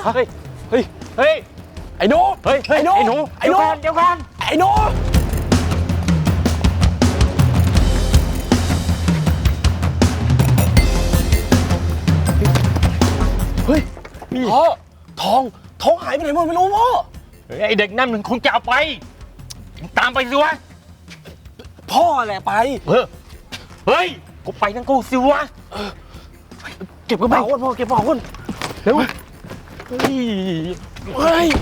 เฮ้ยเฮ้ยเฮ้ยไอ้หนูเฮ้ยไอ้หนูเดี๋ยวก่อนไอ้หนูเฮ้ยพ่อทองหายไปไหนหมดไม่รู้พ่อไอเด็กนั่นมันคงจะเอาไปตามไปสิวะพ่อแหละไปเฮ้ยกูไปทั้งกูสิวะเก็บกระเป๋าก่อนพ่อเก็บกระเป๋าก่อนเร็วเฮ้ย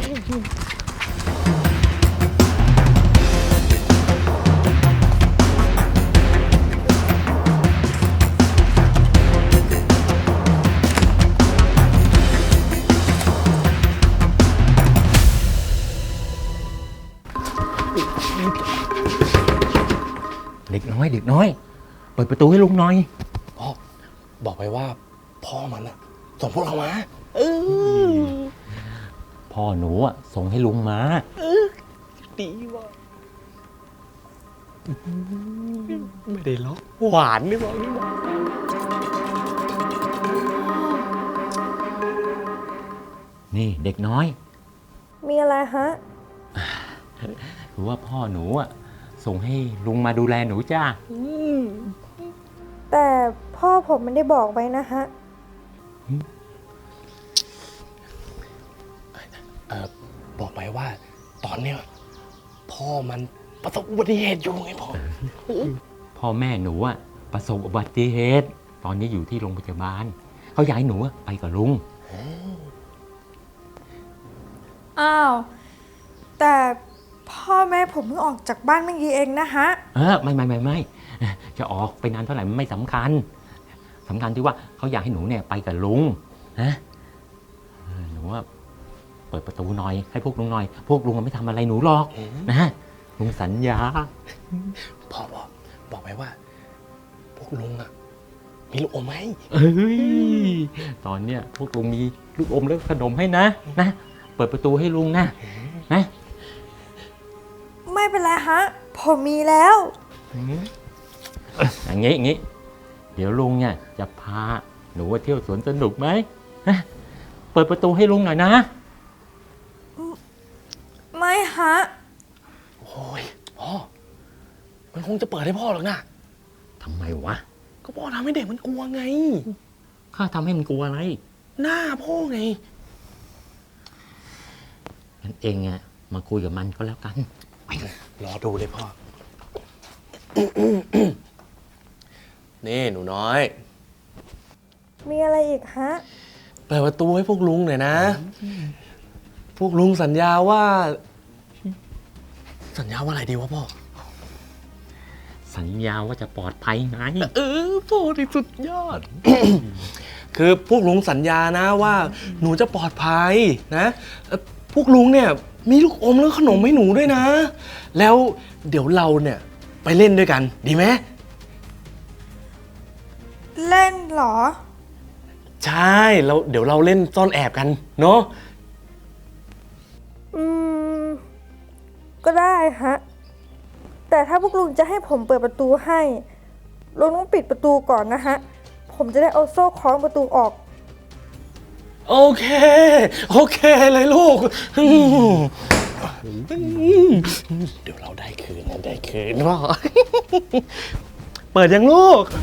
เด็กน้อยเปิดประตูให้ลุงหน่อยพ่อบอกไปว่าพ่อมันอะส่งพวกเรามาพ่อหนูอะส่งให้ลุงมาดีว่ะไม่ได้ล็อกหวานนี่บอกนี่ว่านี่เด็กน้อยมีอะไรฮะคือว่าพ่อหนูอะส่งให้ลุงมาดูแลหนูจ้าแต่พ่อผมไม่ได้บอกไว้นะฮะบอกไปว่าตอนเนี้ยพ่อมันประสบอุบัติเหตุอยู่ไงพ่อแม่หนูอะประสบอุบัติเหตุตอนนี้อยู่ที่โรงพยาบาลเขาอยากให้หนูไปกับลุงอ้าวแต่พ่อแม่ผมเพิ่งออกจากบ้านเมื่อกี้เองนะฮะไม่จะออกไปนานเท่าไหร่มันไม่สำคัญที่ว่าเขาอยากให้หนูเนี่ยไปกับลุงนะหนูว่าเปิดประตูหน่อยให้พวกลุงหน่อยพวกลุงไม่ทำอะไรหนูหรอกนะลุงสัญญาพ่อบอกไปว่าพวกลุงอะมีลูกอมไหมตอนเนี้ยพวกลุงมีลูกอมและขนมให้นะเปิดประตูให้ลุงนะไม่เป็นไรฮะผมมีแล้วอย่างงี้เดี๋ยวลุงเนี่ยจะพาหนูไปเที่ยวสวนสนุกไหมเปิดประตูให้ลุงหน่อยนะไม่ฮะโอ้ยพ่อมันคงจะเปิดให้พ่อหรอกนะทำไมวะก็พ่อทำให้เด็กมันกลัวไงข้าทำให้มันกลัวอะไรหน้าพ่อไงงั้นเองอะมาคุยกับมันก็แล้วกันรอดูเลยพ่อนี่หนูน้อยมีอะไรอีกฮะเปิดประตูให้พวกลุงหน่อยนะพวกลุงสัญญาว่าอะไรดีวะพ่อสัญญาว่าจะปลอดภัยไงพ่อที่สุดยอด คือพวกลุงสัญญานะว่าหนูจะปลอดภัยนะพวกลุงเนี่ยมีลูกอมและขนมให้หนูด้วยนะแล้วเดี๋ยวเราเนี่ยไปเล่นด้วยกันดีไหมเล่นเหรอใช่แล้วเดี๋ยวเราเล่นซ่อนแอบกันเนาะก็ได้ฮะแต่ถ้าพวกลุงจะให้ผมเปิดประตูให้ลุงต้องปิดประตูก่อนนะฮะผมจะได้เอาโซ่คล้องประตูออกโอเคเลยลูกเดี๋ยวเราได้คืนพ่อเปิดยังลูก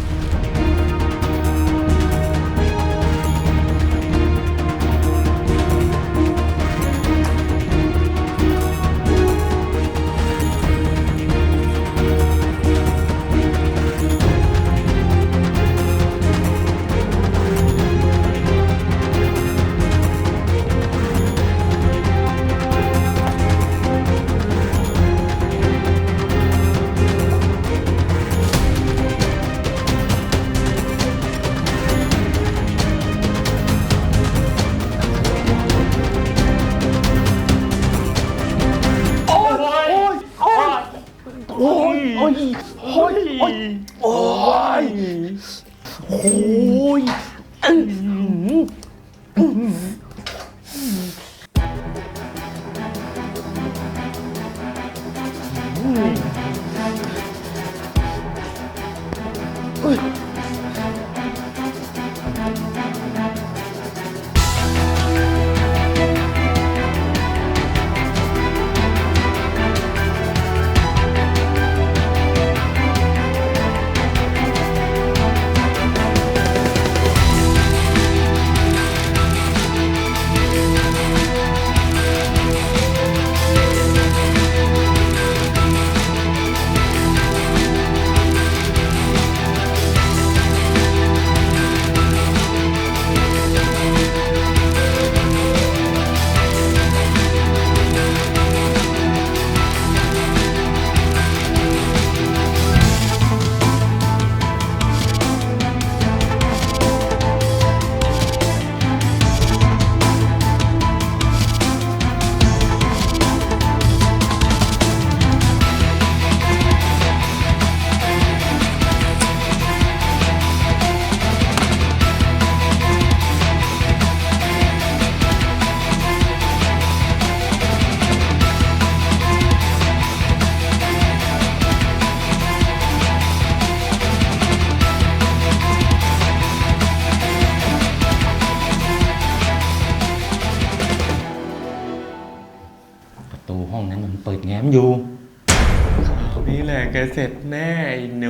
ตูห้องนั้นมันเปิดแง้มอยู่นี่แหละแกเสร็จแน่ไอ้หนู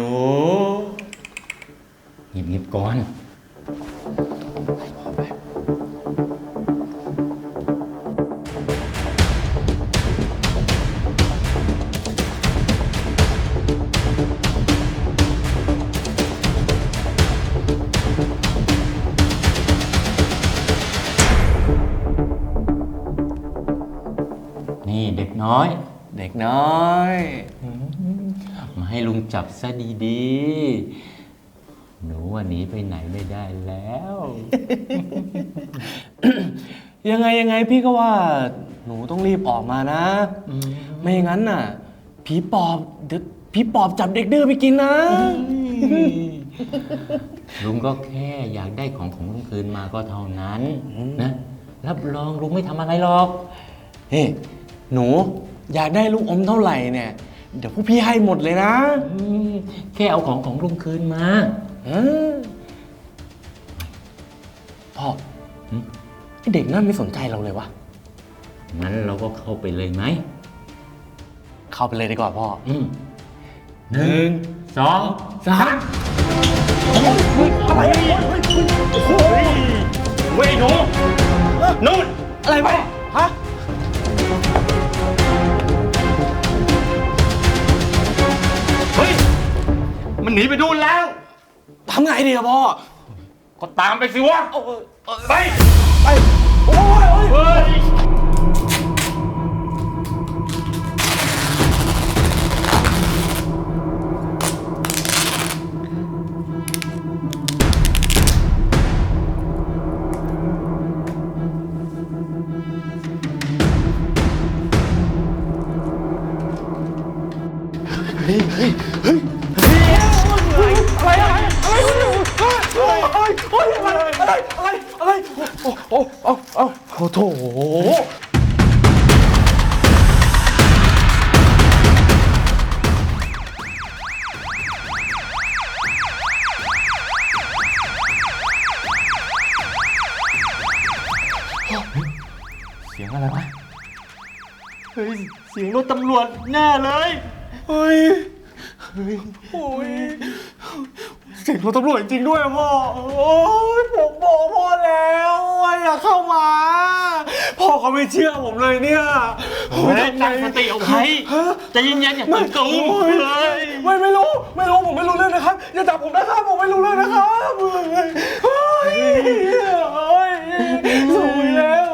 เงียบๆก่อน นี่เด็กน้อยเด็กน้อยมาให้ลุงจับซะดีๆ หนูวันนี้ไปไหนไม่ได้แล้วยังไงพี่ก็ว่าหนูต้องรีบออกมานะ ไม่อย่างนั้นน่ะ ผีปอบเดี๋ยวผีปอบจับเด็กดื้อไปกินนะลุงก็แค่อยากได้ของลุงคืนมาก็เท่านั้นนะรับรองลุงไม่ทำอะไรหรอกเฮ้หนูอยากได้ลูกอมเท่าไหร่เนี่ย เดี๋ยวพวกพี่ให้หมดเลยนะแค่เอาของลุงคืนมาพ่อไอเด็กนั่นไม่สนใจเราเลยวะงั้นเราก็เข้าไปเลยไหมเข้าไปเลยดีกว่าพ่อ 1 2 3 อะไรเว้ยหนูนู่นอะไรไปฮะเฮ้ย มันหนีไปดูนแล้วทำไงดีอะพ่อก็ตามไปสิวะ ไปไปโอ้ยเฮ้ยอะไรโอ้โถเสียงอะไรวะเฮ้ย เสียงรถตำรวจแน่เลยโอ้ยเสียงรถตำรวจจริงด้วยอะพ่อ โอ้ยผมบอกพ่อแล้วว่าอย่าเข้ามา พ่อเขาไม่เชื่อผมเลยเนี่ยตั้งสติเอาไว้ใจเย็นๆอย่าตื่นตูมเลยไม่รู้ผมไม่รู้เรื่องนะครับ อย่าจับผมนะครับผมไม่รู้เรื่องนะครับเฮ้ยสวยแล้ว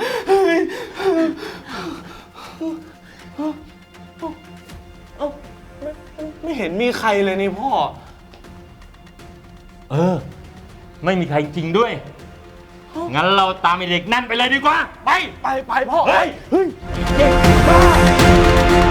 ไม่เห็นมีใครเลยนี่พ่อไม่มีใครจริงด้วย งั้นเราตามไอเด็กนั่นไปเลยดีกว่าไปพ่อเฮ้ยเด็กบ้า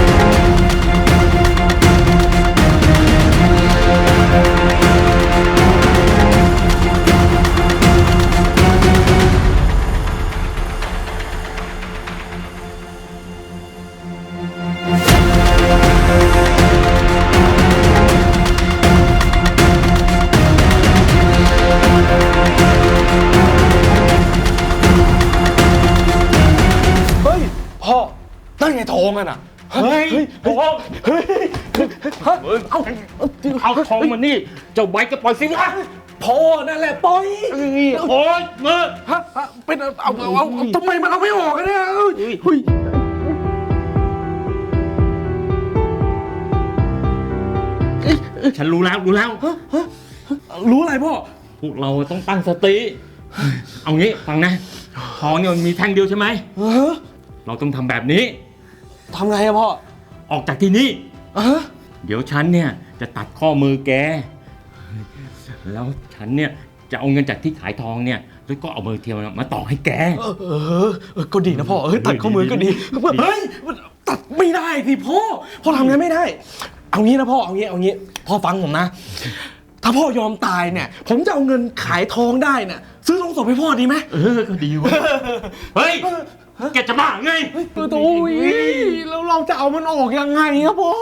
พ่อนั่นไงทองอ่ะน่ะเฮ้ยโอ้เอาทองมานี่ เจ้าใบก็ปล่อยสิวะพ่อนั่นแหละปล่อยโอ๊ยมือเป็นเอาทำไมมันเอาไม่ออกกันเนี่ยฉันรู้แล้วรู้อะไรพ่อพวกเราต้องตั้งสติ เอางี้ฟังนะ ทองเนี่ยมันมีแท่งเดียวใช่ไหม เราต้องทำแบบนี้ทำไงอะพ่อออกจากที่นี่ เดี๋ยวฉันเนี่ยจะตัดข้อมือแก แล้วฉันเนี่ยจะเอาเงินจากที่ขายทองเนี่ย แล้วก็เอาเบอร์เทียมมาต่อให้แกก็ดีนะพ่อตัดข้อมือก็ดีเฮ้ยตัดไม่ได้สิพ่อทำงั้นไม่ได้ เอางี้นะพ่อเอางี้พ่อฟังผมนะ ถ้าพ่อยอมตายเนี่ย ผมจะเอาเงินขายทองได้เนี่ยซื้อโรงศพให้พ่อดีไหมก็ดีวะเฮ้ย แกจะบ้าไงโอ้ยแล้วเราจะเอามันออกยังไงครับพ่อ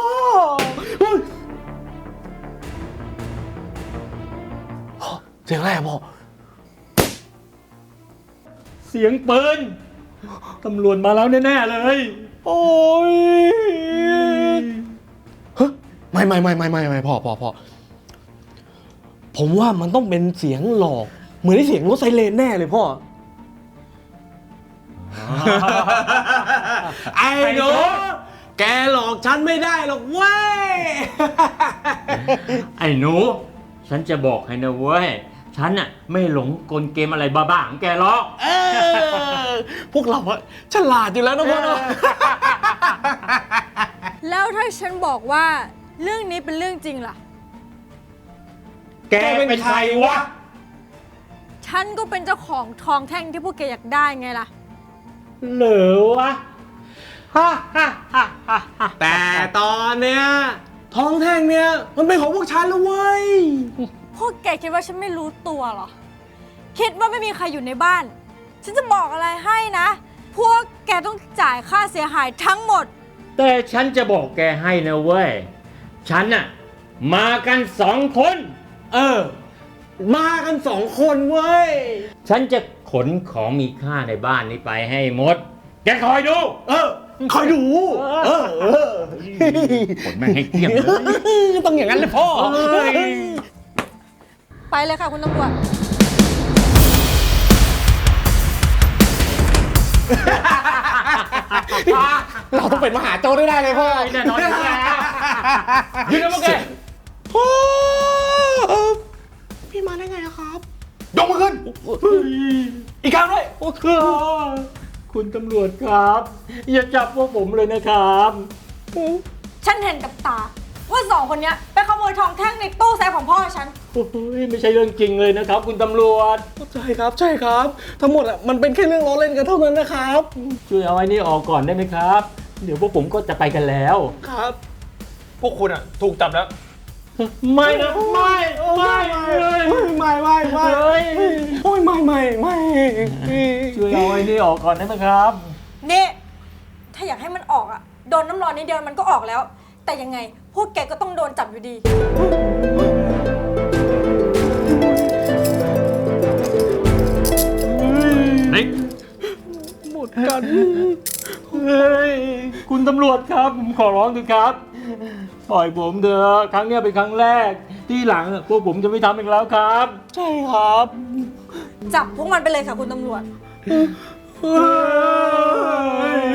เสียงอะไรอะพ่อเสียงปืน ตำรวจมาแล้วแน่ๆเลยฮโอ้ยเฮ้ยไม่พ่อผมว่ามันต้องเป็นเสียงหลอกเหมือนที่เสียงรถไซเรนแน่เลยพ่อ ไอ้หนูแกหลอกฉันไม่ได้หรอกเว้ยไอ้หนู ฉันจะบอกให้นะเว้ย ฉันน่ะไม่หลงกลเกมอะไรบ้าๆของแกหรอกพวกเราอะฉลาดอยู่แล้วนะพ่อเนาะแล้วถ้าฉันบอกว่าเรื่องนี้เป็นเรื่องจริงล่ะแกเป็นใครวะฉันก็เป็นเจ้าของทองแท่งที่พวกแกอยากได้ไงล่ะเหรอวะฮ่าฮ่าฮ่าฮ่าฮ่าแต่ตอนเนี้ยทองแท่งเนี้ยมันเป็นของพวกฉันแล้วเว้ยพวกแกคิดว่าฉันไม่รู้ตัวเหรอ คิดว่าไม่มีใครอยู่ในบ้าน ฉันจะบอกอะไรให้นะ พวกแกต้องจ่ายค่าเสียหายทั้งหมดแต่ฉันจะบอกแกให้นะเว้ย ฉันน่ะมากัน2 คนมากัน2 คนเว้ยฉันจะขนของมีค่าในบ้านนี้ไปให้หมด แกคอยดูคอยดูขนแม่งให้เกลี้ยงเลยต้องอย่างนั้นเลยพ่อไปเลยค่ะคุณตำรวจเราต้องเป็นมหาโจรได้เลยพ่อแน่นอนอยู่แล้วยืนนะพวกแกพ่อพี่มาได้ไงอะครับ ยกมือขึ้น อีกครั้งด้วยคุณตำรวจครับ อย่าจับพวกผมเลยนะครับฉันเห็นกับตา ว่าสองคนเนี้ยไปขโมยทองแท่งในตู้เซฟของพ่อฉันโอ้ยไม่ใช่เรื่องจริงเลยนะครับ คุณตำรวจใช่ครับ ใช่ครับ ทั้งหมดอะมันเป็นแค่เรื่องล้อเล่นกันเท่านั้นนะครับช่วยเอาไอ้นี่ออกก่อนได้ไหมครับ เดี๋ยวพวกผมก็จะไปกันแล้วครับ พวกคุณอะถูกจับแล้วไม่นะไม่เลยไม่โอ้ยไม่ช่วยเอาไอ้นี่ออกก่อนได้ไหมครับนี่ ถ้าอยากให้มันออกอะโดนน้ำร้อนนิดเดียวมันก็ออกแล้ว แต่ยังไงพวกแกก็ต้องโดนจับอยู่ดีนิกหมดกันเฮ้ยคุณตำรวจครับผมขอร้องเถอะครับปล่อยผมเถอะครั้งเนี้ยเป็นครั้งแรก ที่หลังพวกผมจะไม่ทำอีกแล้วครับใช่ครับจับพวกมันไปเลยค่ะคุณตำรวจไป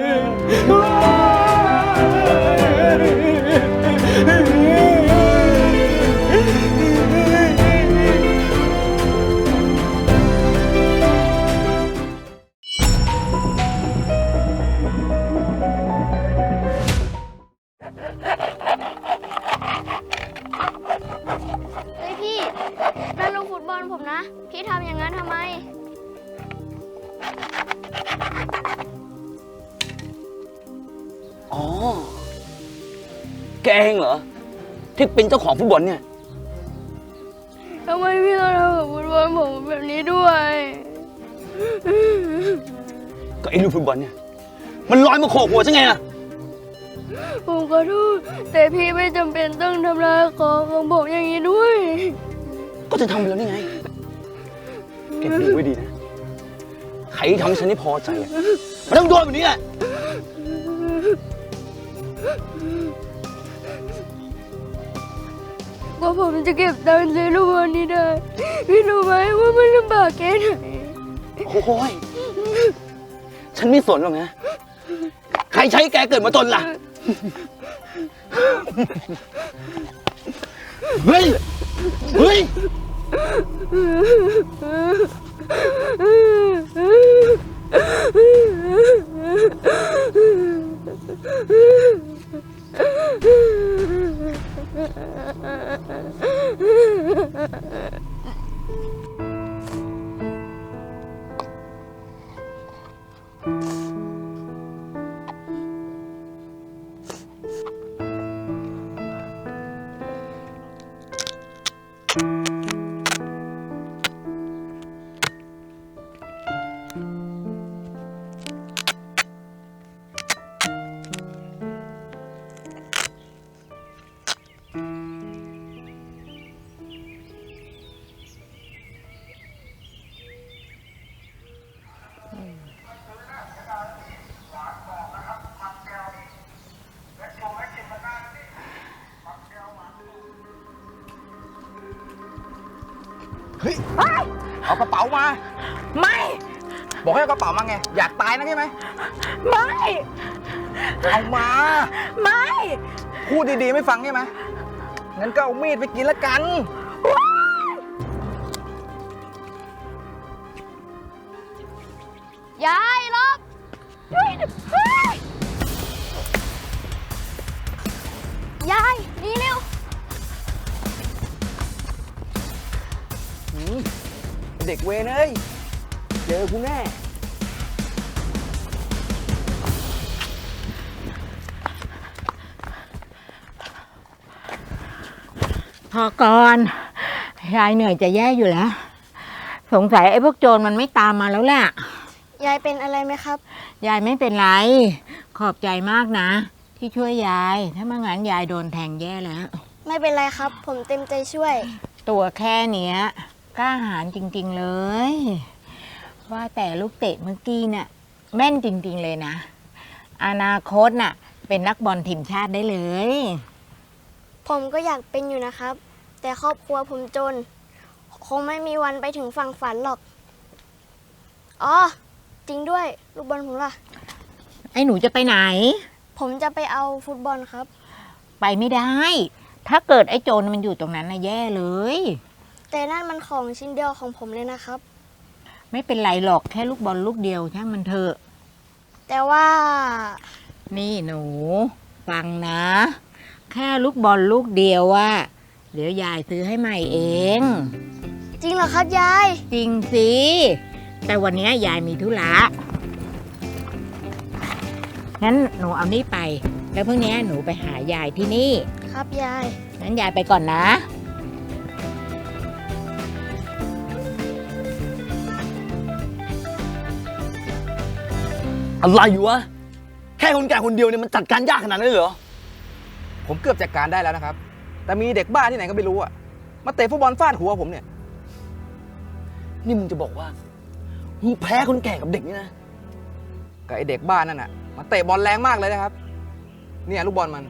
เฮ้ยพี่นั่นลูกฟุตบอลผมนะ พี่ทำอย่างนั้นทำไมอ๋อ แกเองเหรอ ที่เป็นเจ้าของฟุตบอลเนี่ยทำไมพี่ต้องทำกับฟุตบอลผมแบบนี้ด้วยก็ไอ้ลูกฟุตบอลเนี่ย มันลอยมาโขกหัวฉันไงล่ะผมขอโทษแต่พี่ไม่จำเป็นต้องทำลายของผมอย่างนี้ด้วยก็จะทำไปแล้วนี่ไงเก็บดูไว้ดีนะ ใครที่ทำให้ฉันไม่พอใจอะมันต้องโดนแบบนี้แหละกว่าผมจะเก็บตังค์ซื้อลูกบอลนี้ได้ พี่รู้ไหมว่ามันลำบากแค่ไหนโอ้ย ฉันไม่สนหรอกนะ ใครใช้แกเกิดมาจนล่ะ เฮ้ย เฮ้ยพเอากระเป๋ามาไม่บอกให้เอากระเป๋ามาไง อยากตายนะใช่ไหมไม่เอามาไม่พูดดีๆไม่ฟังใช่ไหมงั้นก็เอามีดไปกินละกันยายลบยายนี่เร็วเด็กเวรเอ้ย เจอกูแน่พอก่อนยายเหนื่อยจะแย่อยู่แล้ว สงสัยไอ้พวกโจรมันไม่ตามมาแล้วแหละยายเป็นอะไรไหมครับยายไม่เป็นไร ขอบใจมากนะ ที่ช่วยยาย ถ้าไม่งั้นยายโดนแทงแย่แล้วไม่เป็นไรครับ ผมเต็มใจช่วยตัวแค่เนี้ยกล้าหาญจริงๆเลย ว่าแต่ลูกเตะเมื่อกี้น่ะแม่นจริงๆเลยนะ อนาคตน่ะ เป็นนักบอลทีมชาติได้เลยผมก็อยากเป็นอยู่นะครับ แต่ครอบครัวผมจน คงไม่มีวันไปถึงฝั่งฝันหรอก อ๋อ จริงด้วย ลูกบอลผมล่ะไอ้หนูจะไปไหนผมจะไปเอาฟุตบอลครับไปไม่ได้ ถ้าเกิดไอ้โจรมันอยู่ตรงนั้นน่ะแย่เลยแต่นั่นมันของชิ้นเดียวของผมเลยนะครับไม่เป็นไรหรอกแค่ลูกบอลลูกเดียวช่างมันเถอะแต่ว่านี่หนู ฟังนะ แค่ลูกบอลลูกเดียวว่าเดี๋ยวยายซื้อให้ใหม่เองจริงเหรอครับยายจริงสิ แต่วันนี้ยายมีธุระงั้นหนูเอานี่ไป แล้วพรุ่งนี้หนูไปหายายที่นี่ครับยายงั้นยายไปก่อนนะอะไรอยู่วะ แค่คนแก่คนเดียวเนี่ยมันจัดการยากขนาดนั้นเลยเหรอผมเกือบจัดการได้แล้วนะครับ แต่มีเด็กบ้าที่ไหนก็ไม่รู้อะมาเตะฟุตบอลฟาดหัวผมเนี่ยนี่มึงจะบอกว่ามึงแพ้คนแก่กับเด็กนี่นะกับไอเด็กบ้านั่นน่ะมาเตะบอลแรงมากเลยนะครับ เนี่ยลูกบอลมัน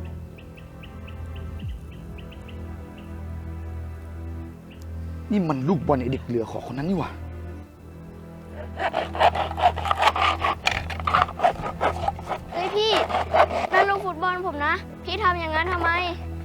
นี่มันลูกบอลไอเด็กเหลือขอคนนั้นนี่หว่าเฮ้ยพี่ นั่นลูกฟุตบอลผมนะ พี่ทำอย่างนั้นทำไม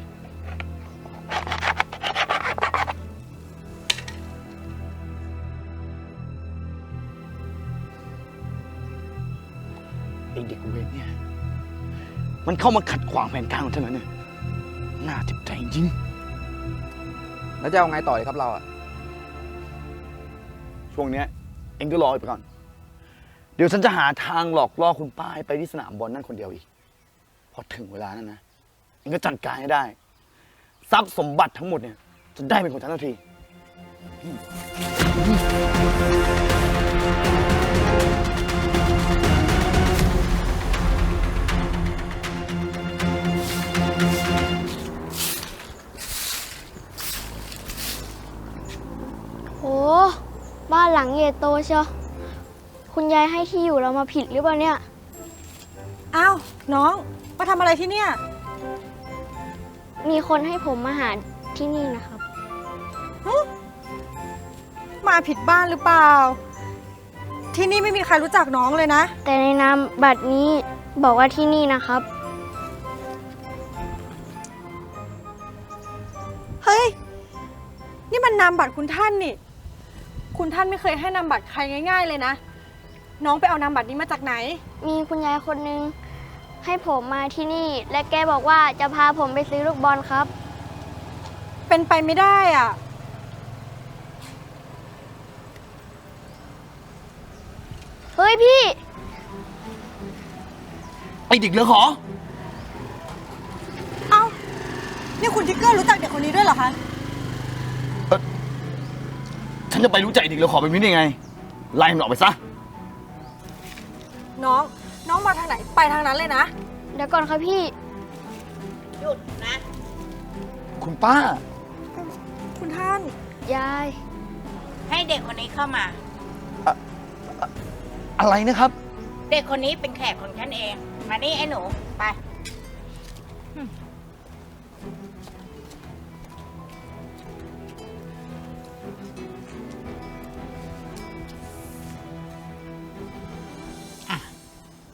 ไอเด็กเวรเนี่ย มันเข้ามาขัดขวางแผนการของฉันแล้วเนี่ย น่าเจ็บใจจริงแล้วจะเอาไงต่อเลยครับเราอะช่วงเนี้ยเองก็รอไปก่อน เดี๋ยวฉันจะหาทางหลอกล่อคุณป้าให้ไปที่สนามบอลนั่นคนเดียวอีก พอถึงเวลานั้นนะ เองก็จัดการให้ได้ ทรัพย์สมบัติทั้งหมดเนี่ย จะได้เป็นของฉันทันทีโห บ้านหลังใหญ่โตเชียว คุณยายให้ที่อยู่เรามาผิดหรือเปล่าเนี่ยอ้าว น้อง มาทำอะไรที่เนี่ยมีคนให้ผมมาหาที่นี่นะครับมาผิดบ้านหรือเปล่า ที่นี่ไม่มีใครรู้จักน้องเลยนะแต่ในนามบัตรนี้บอกว่าที่นี่นะครับเฮ้ย นี่มันนามบัตรคุณท่านนี่ คุณท่านไม่เคยให้นามบัตรใครง่าย ๆเลยนะ น้องไปเอานามบัตรนี้มาจากไหนมีคุณยายคนนึงให้ผมมาที่นี่ และแกบอกว่าจะพาผมไปซื้อลูกบอลครับเป็นไปไม่ได้อ่ะเฮ้ยพี่ไอเด็กเหลือขอเอ้า นี่คุณทิกเกอร์รู้จักเด็กคนนี้ด้วยเหรอคะฉันจะไปรู้ใจไอ้เด็กเหลือขอแบบนี้ได้ไง ไล่มันออกไปซะน้องมาทางไหนไปทางนั้นเลยนะเดี๋ยวก่อนครับพี่หยุดนะคุณป้าคุณท่านยายให้เด็กคนนี้เข้ามาอะไรนะครับเด็กคนนี้เป็นแขกของฉันเอง มานี่ไอ้หนู ไป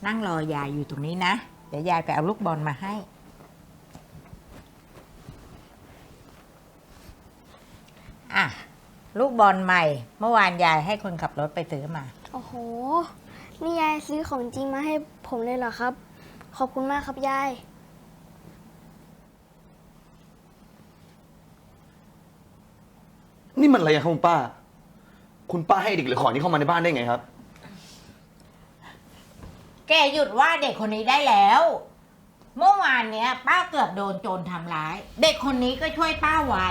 นั่งรอยายอยู่ตรงนี้นะ เดี๋ยวยายไปเอาลูกบอลมาให้ อ่ะ ลูกบอลใหม่ เมื่อวานยายให้คนขับรถไปซื้อมาโอ้โห นี่ยายซื้อของจริงมาให้ผมเลยเหรอครับ ขอบคุณมากครับยายนี่มันอะไรอะครับคุณป้า คุณป้าให้เด็กเหลือขอนี้เข้ามาในบ้านได้ไงครับแกหยุดว่าเด็กคนนี้ได้แล้ว เมื่อวานเนี้ย ป้าเกือบโดนโจรทำร้าย เด็กคนนี้ก็ช่วยป้าไว้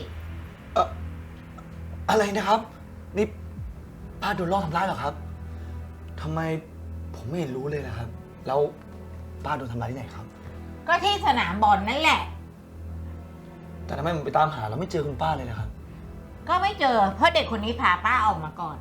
อะไรนะครับ นี่ป้าโดนล่อทำร้ายเหรอครับทำไมผมไม่เห็นรู้เลยนะครับ แล้วป้าโดนทำร้ายที่ไหนครับก็ที่สนามบอลนั่นแหละแต่ทำไมผมไปตามหาแล้วไม่เจอคุณป้าเลยนะครับก็ไม่เจอ เพราะเด็กคนนี้พาป้าออกมาก่อน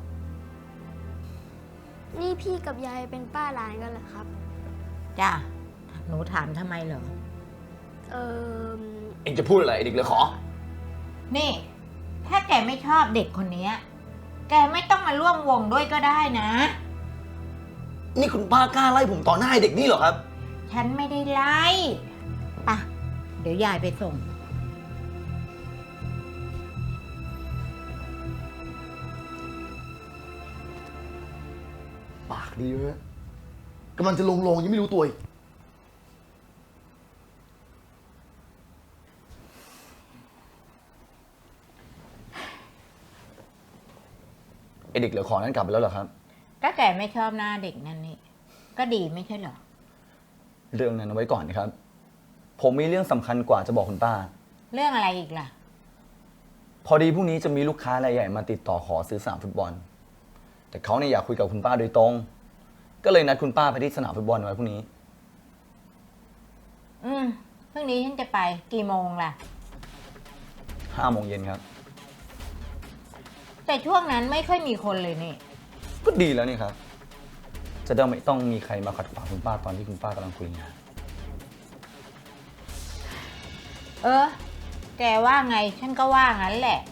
นี่พี่กับยายเป็นป้าหลานกันเหรอครับจ้ะ หนูถามทำไมเหรอเออเอ็งจะพูดอะไรไอ้เด็กเหลือขอนี่ ถ้าแกไม่ชอบเด็กคนนี้ แกไม่ต้องมาร่วมวงด้วยก็ได้นะนี่คุณป้ากล้าไล่ผมต่อหน้าไอ้เด็กนี่เหรอครับฉันไม่ได้ไล่ปะเดี๋ยวยายไปส่งปากดีเลยกำลังจะลงยังไม่รู้ตัวอีกไอเด็กเหลือขอนั้นกลับไปแล้วเหรอครับก็แกไม่ชอบหน้าเด็กนั่นนี่ ก็ดีไม่ใช่เหรอเรื่องนั้นเอาไว้ก่อนนะครับ ผมมีเรื่องสำคัญกว่าจะบอกคุณป้าเรื่องอะไรอีกล่ะพอดีพรุ่งนี้จะมีลูกค้ารายใหญ่มาติดต่อขอซื้อสนามฟุตบอล แต่เขาเนี่ยอยากคุยกับคุณป้าโดยตรง ก็เลยนัดคุณป้าไปที่สนามฟุตบอลไว้พรุ่งนี้พรุ่งนี้ฉันจะไปกี่โมงล่ะ 5 โมงเย็นครับแต่ช่วงนั้นไม่ค่อยมีคนเลยนี่ก็ดีแล้วนี่ครับ จะได้ไม่ต้องมีใครมาขัดขวางคุณป้าตอนที่คุณป้ากำลังคุยงานแกว่าไงฉันก็ว่างั้นแหละ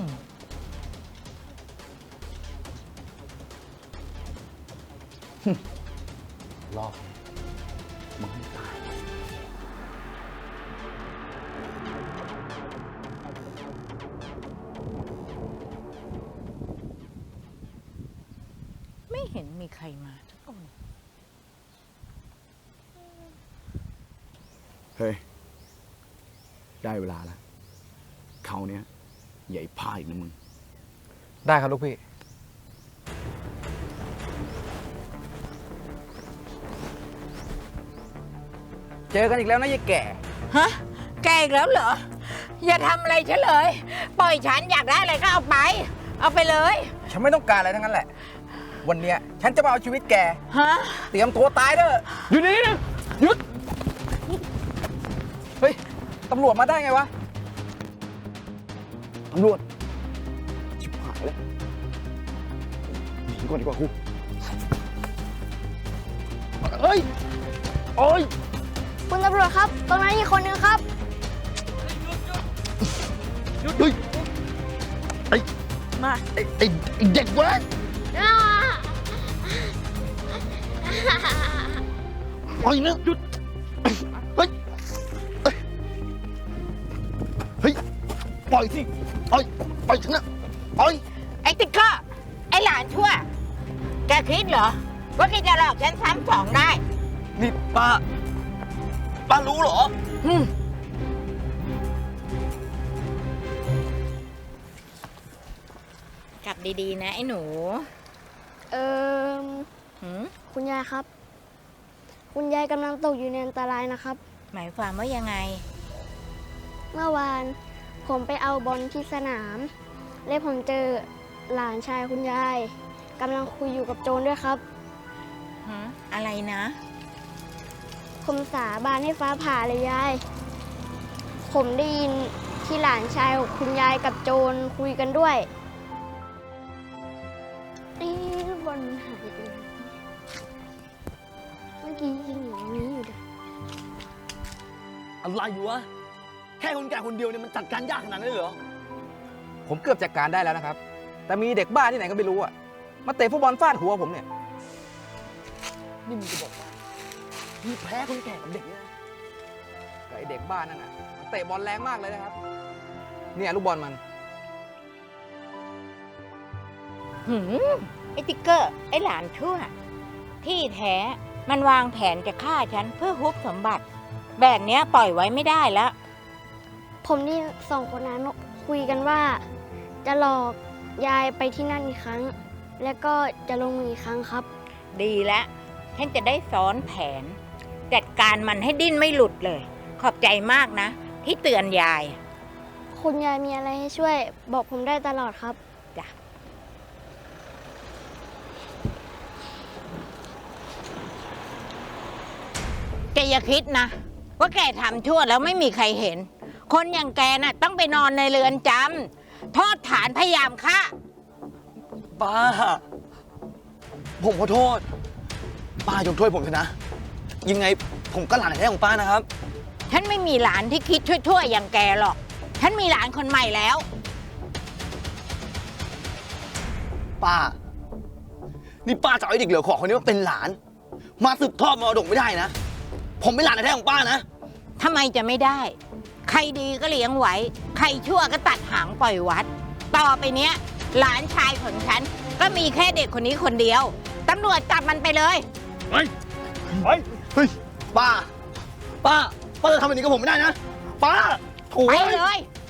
รอบมึงให้ตายไม่เห็นมีใครมาสักคนเฮ้ย ได้เวลาแล้วเขาเนี้ยใหญ่พ่ายอีกนะมึงได้ครับลูกพี่ เจอกันอีกแล้วนะยายแก่ฮะ แกอีกแล้วเหรอ อย่าทำอะไรฉันเลย ปล่อยฉันอยากได้อะไรก็เอาไป เอาไปเลยฉันไม่ต้องการอะไรทั้งนั้นแหละ วันเนี้ยฉันจะมาเอาชีวิตแกฮะเตรียมตัวตายเด้ออยู่นี่นะหยุดเฮ้ย ตำรวจมาได้ไงวะตำรวจ ชิบหายแล้วหนีก่อนดีกว่าครูเฮ้ย โอ้ยคุณตำรวจครับ ตรงนั้นมีคนนึงครับเฮ้ย ไอ้เด็กเว้ยปล่อยนะหยุด เฮ้ย เฮ้ย ปล่อยสิปล่อยฉันนะปล่อยไอ้ติ๊กเกอร์ไอ้หลานชั่ว แกคิดเหรอ ว่าแกจะหลอกฉันซ้ำสองได้นี่ป้ารู้เหรอกลับดีๆนะไอ้หนู หืมคุณยายครับ คุณยายกำลังตกอยู่ในอันตรายนะครับหมายความว่ายังไงเมื่อวานผมไปเอาบอลที่สนาม และผมเจอหลานชายคุณยายกำลังคุยอยู่กับโจรด้วยครับอะไรนะผมสาบานให้ฟ้าผ่าเลยยาย ผมได้ยินที่หลานชายของคุณยายกับโจรคุยกันด้วยลูกบอลมันหายไปไหนเมื่อกี้ยิงอยู่ตรงนี้อยู่เลยอะไรอยู่วะ แค่คนแก่คนเดียวเนี่ยมันจัดการยากขนาดนั้นเลยเหรอผมเกือบจัดการได้แล้วนะครับ แต่มีเด็กบ้าที่ไหนก็ไม่รู้อะมาเตะฟุตบอลฟาดหัวผมเนี่ยนี่มึงจะบอกว่าพี่แพ้คนแก่กับเด็กเนี่ยกับไอเด็กบ้านนั่นน่ะมันเตะบอลแรงมากเลยนะครับ เนี่ยลูกบอลมันไอ้ติ๊กเกอร์ ไอ้หลานชั่ว ที่แท้มันวางแผนจะฆ่าฉันเพื่อฮุบสมบัติ แบบเนี้ยปล่อยไว้ไม่ได้แล้วผมนี่สองคนนั้นคุยกันว่า จะหลอกยายไปที่นั่นอีกครั้ง แล้วก็จะลงมืออีกครั้งครับดีแล้วฉันจะได้ซ้อนแผน จัดการมันให้ดิ้นไม่หลุดเลย ขอบใจมากนะ ที่เตือนยายคุณยายมีอะไรให้ช่วย บอกผมได้ตลอดครับจ้ะ แกอย่าคิดนะ ว่าแกทำชั่วแล้วไม่มีใครเห็น คนอย่างแกน่ะต้องไปนอนในเรือนจำโทษฐานพยายามฆ่าป้า ผมขอโทษ ป้ายกโทษผมเถอะนะ ยังไงผมก็หลานแท้ของป้านะครับฉันไม่มีหลานที่คิดชั่วๆอย่างแกหรอก ฉันมีหลานคนใหม่แล้วป้า นี่ป้าจะเอาไอ้เด็กเหลือขอคนนี้มาเป็นหลาน มาสืบทอดมรดกไม่ได้นะ ผมเป็นหลานแท้ของป้านะทำไมจะไม่ได้ ใครดีก็เลี้ยงไว้ ใครชั่วก็ตัดหางปล่อยวัด ต่อไปเนี้ย หลานชายของฉันก็มีแค่เด็กคนนี้คนเดียว ตำรวจจับมันไปเลยเฮ้ยเฮ้ย ป้า ป้าจะทำแบบนี้กับผมไม่ได้นะ ป้าโถ่ไปเลย